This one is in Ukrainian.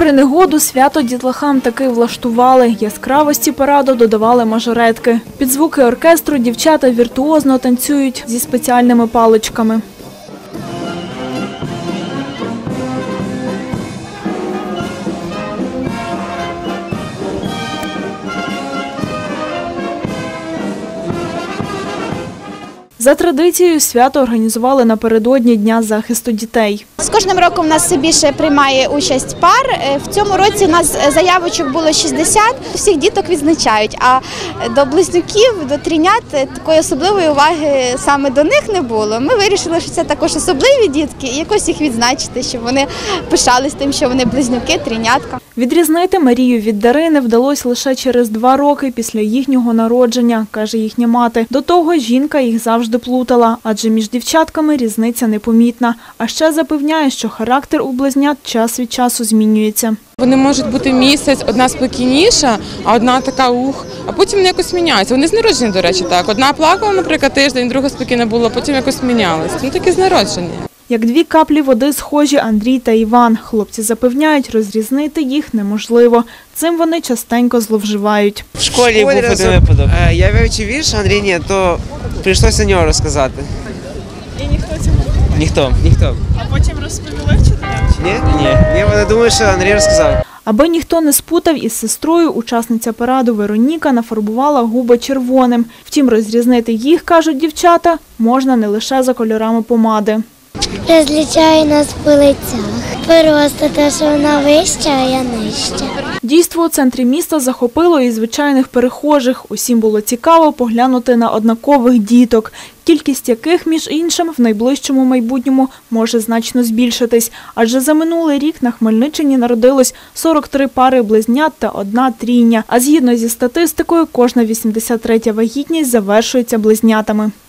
Попри негоду, свято дітлахам таки влаштували. Яскравості параду додавали мажоретки. Під звуки оркестру дівчата віртуозно танцюють зі спеціальними паличками. За традицією, свято організували напередодні Дня захисту дітей. З кожним роком у нас все більше приймає участь пар. В цьому році у нас заявочок було 60, всіх діток відзначають, а до близнюків, до трійнят такої особливої уваги саме до них не було. Ми вирішили, що це також особливі дітки і якось їх відзначити, щоб вони пишались тим, що вони близнюки, трійнятка. Відрізнити Марію від Дарини вдалося лише через 2 роки після їхнього народження, каже їхня мати. До того жінка їх завжди плутала, адже між дівчатками різниця непомітна. А ще запевняє, що характер у близнят час від часу змінюється. Вони можуть бути місяць, одна спокійніша, а одна така а потім вони якось міняються. Вони з народження, до речі, так. Одна плакала, наприклад, тиждень, друга спокійна була, потім якось мінялися. Ну, такі з народження. Як 2 каплі води схожі Андрій та Іван. Хлопці запевняють, розрізнити їх неможливо. Цим вони частенько зловживають. В школі був один випадок. Я вивчив вірш, Андрій ні, то прийшлося нього розказати. І ніхто цього не Ніхто. А потім розповіли вчителям? Ні, вони думають, що Андрій розказав. Аби ніхто не спутав із сестрою, учасниця параду Вероніка нафарбувала губи червоним. Втім, розрізнити їх, кажуть дівчата, можна не лише за кольорами помади. Розлічає нас по лицях. Просто те, що вона вища, а я нижча. Дійство у центрі міста захопило і звичайних перехожих. Усім було цікаво поглянути на однакових діток, кількість яких, між іншим, в найближчому майбутньому може значно збільшитись. Адже за минулий рік на Хмельниччині народилось 43 пари близнят та 1 трійня. А згідно зі статистикою, кожна 83-я вагітність завершується близнятами.